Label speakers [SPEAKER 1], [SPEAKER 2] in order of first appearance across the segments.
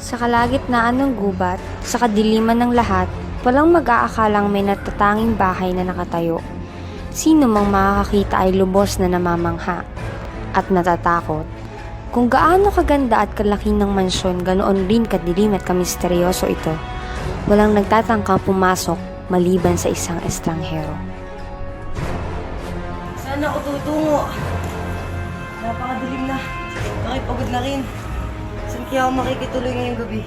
[SPEAKER 1] Sa kalagitnaan ng gubat, sa kadiliman ng lahat, walang mag-aakalang may natatanging bahay na nakatayo. Sino mang makakakita ay lubos na namamangha at natatakot. Kung gaano kaganda at kalaki ng mansyon, ganoon rin kadilim at kamisteryoso ito. Walang nagtatangkang pumasok maliban sa isang estranghero.
[SPEAKER 2] Saan ako tutungo? Napakadilim na. Nakipagod na rin. Saan kaya ako makikituloy ngayong gabi?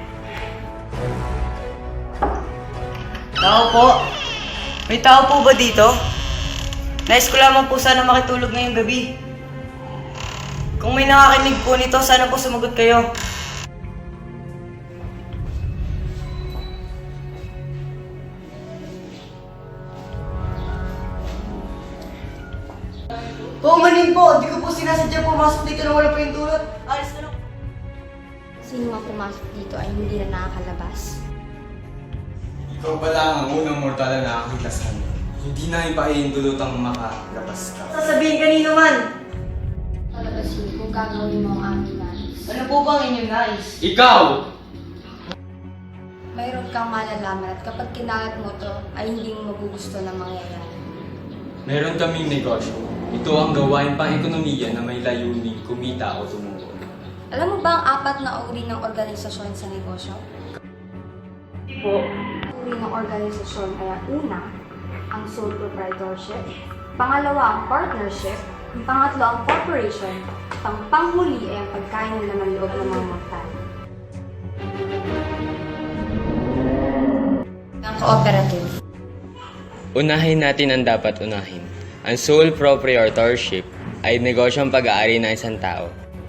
[SPEAKER 2] Tao po? May tao po ba dito? Nais ko lamang po sana makitulog ngayong gabi. Kung may nakakinig po nito, sana po sumagot kayo. Paumanin po! Di ko po sinasadya pumasok dito na wala pa yung tulad. Alis na lang.
[SPEAKER 1] Sino mang pumasok dito ay hindi na nakakalabas.
[SPEAKER 3] Ikaw pa lang ang unang mortal na nakakita sa amin. Hindi namin paihindulutang makalabas ka.
[SPEAKER 2] Sasabihin kanino man!
[SPEAKER 1] Palabasin kung gagawin mo ang aming nais.
[SPEAKER 2] Ano po bang inyong nais?
[SPEAKER 3] Ikaw!
[SPEAKER 1] Mayroon kang malalaman at kapag kinalat mo to ay hindi mo magugusto na mangyayari.
[SPEAKER 3] Meron kaming negosyo. Ito ang gawain pang ekonomiya na may layuning kumita o tumugon.
[SPEAKER 1] Alam mo ba ang apat na uri ng organisasyon sa negosyo?
[SPEAKER 2] Hindi po.
[SPEAKER 1] Uri ng organisasyon ay ang una, ang sole proprietorship, pangalawa ang partnership, ang pangatlo ang corporation, panghuli ay ang pagkain ng laman loob ng mga mortal. Ang cooperative.
[SPEAKER 4] Unahin natin ang dapat unahin. Ang sole proprietorship ay negosyong pag-aari ng isang tao.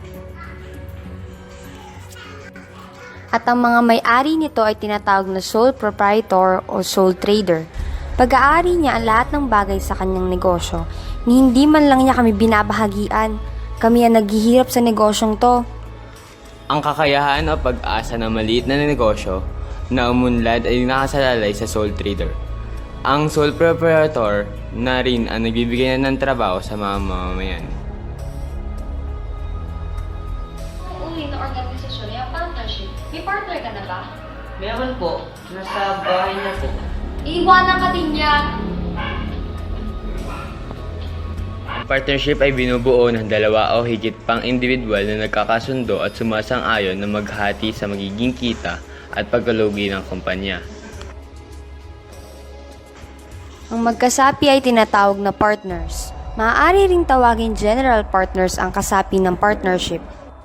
[SPEAKER 1] At ang mga may-ari nito ay tinatawag na sole proprietor o sole trader. Pag-aari niya ang lahat ng bagay sa kanyang negosyo, ni hindi man lang niya kami binabahagian. Kami ang naghihirap sa negosyong to.
[SPEAKER 4] Ang kakayahan o pag-asa ng maliit na negosyo na umunlad ay nakasalalay sa sole trader. Ang sole proprietor na rin ang nagbibigay na ng trabaho sa mga mamamayan.
[SPEAKER 1] Ang uri ng organisasyon ay ang partnership. May partner ka na ba?
[SPEAKER 2] Meron po. Nasa bahay na po.
[SPEAKER 1] Iiwanan ka din niya.
[SPEAKER 4] Ang partnership ay binubuo ng dalawa o higit pang individual na nagkakasundo at sumasang-ayon na maghati sa magiging kita at pagkalugi ng kumpanya.
[SPEAKER 1] Ang magkasapi ay tinatawag na partners. Maaari ring tawagin general partners ang kasapi ng partnership.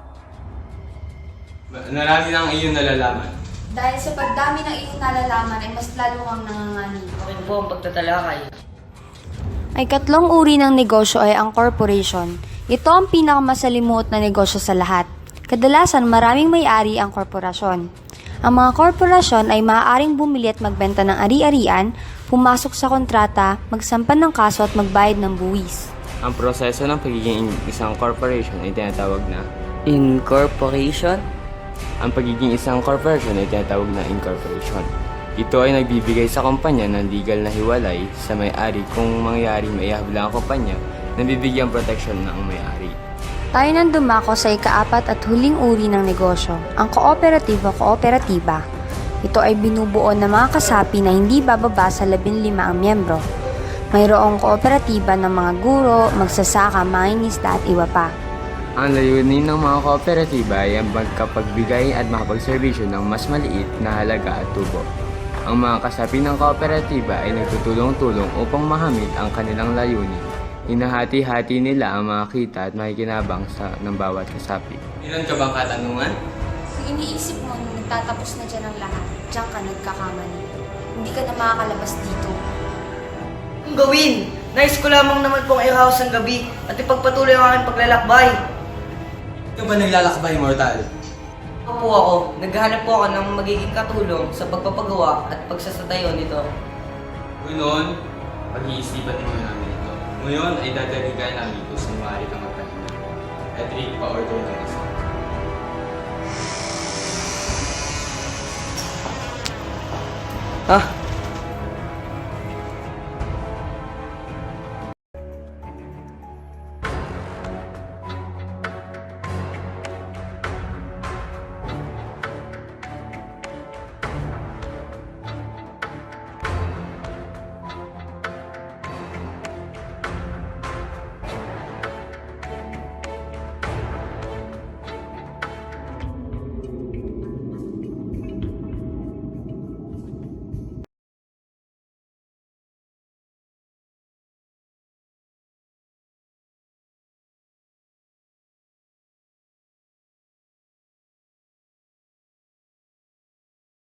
[SPEAKER 3] Narami na ang iyong nalalaman.
[SPEAKER 1] Dahil sa pagdami ng iyong nalalaman ay mas lalo kang nanganganib.
[SPEAKER 2] Akin po ang pagtatalakay.
[SPEAKER 1] Ay katlong uri ng negosyo ay ang corporation. Ito ang pinakamasalimuot na negosyo sa lahat. Kadalasan maraming may-ari ang korporasyon. Ang mga korporasyon ay maaaring bumili at magbenta ng ari-arian, pumasok sa kontrata, magsampan ng kaso at magbayad ng buwis.
[SPEAKER 4] Ang proseso ng pagiging isang corporation ay tinatawag na
[SPEAKER 2] Incorporation?
[SPEAKER 4] Ang pagiging isang corporation ay tinatawag na incorporation. Ito ay nagbibigay sa kumpanya ng legal na hiwalay sa may-ari kung mangyari maihabla ang kumpanya na bibigyan proteksyon ng may-ari.
[SPEAKER 1] Tayo nang dumako sa ikaapat at huling uri ng negosyo, ang cooperative o kooperatiba. Ito ay binubuo ng mga kasapi na hindi bababa sa 15 ang miyembro. Mayroong kooperatiba ng mga guro, magsasaka, mangingisda at iba pa.
[SPEAKER 4] Ang layunin ng mga kooperatiba ay ang magkapagbigay at makapagserbisyo ng mas maliit na halaga at tubo. Ang mga kasapi ng kooperatiba ay nagtutulong-tulong upang mahamit ang kanilang layunin. Hinahati-hati nila ang mga kita at makikinabang ng bawat kasapi.
[SPEAKER 3] Meron ka bang katanungan?
[SPEAKER 1] Kung iniisip mo na nagtatapos na dyan ang lahat, dyan ka nagkakamali. Hindi ka na makakalabas dito.
[SPEAKER 2] Ang gawin! Nais ko lamang naman pong i-house ang gabi at ipagpatuloy ang aking paglalakbay.
[SPEAKER 3] Ikaw ba naglalakbay, mortal?
[SPEAKER 2] Opo ako. Naghahanap po ako ng magiging katulong sa pagpapagawa at pagsasatayo nito.
[SPEAKER 3] Noon, pag-iisipan mo namin ito. Ngayon ay dadaligan namin kung sumari kang magpahinga. Edric, pa-order ng isa.
[SPEAKER 2] Ha?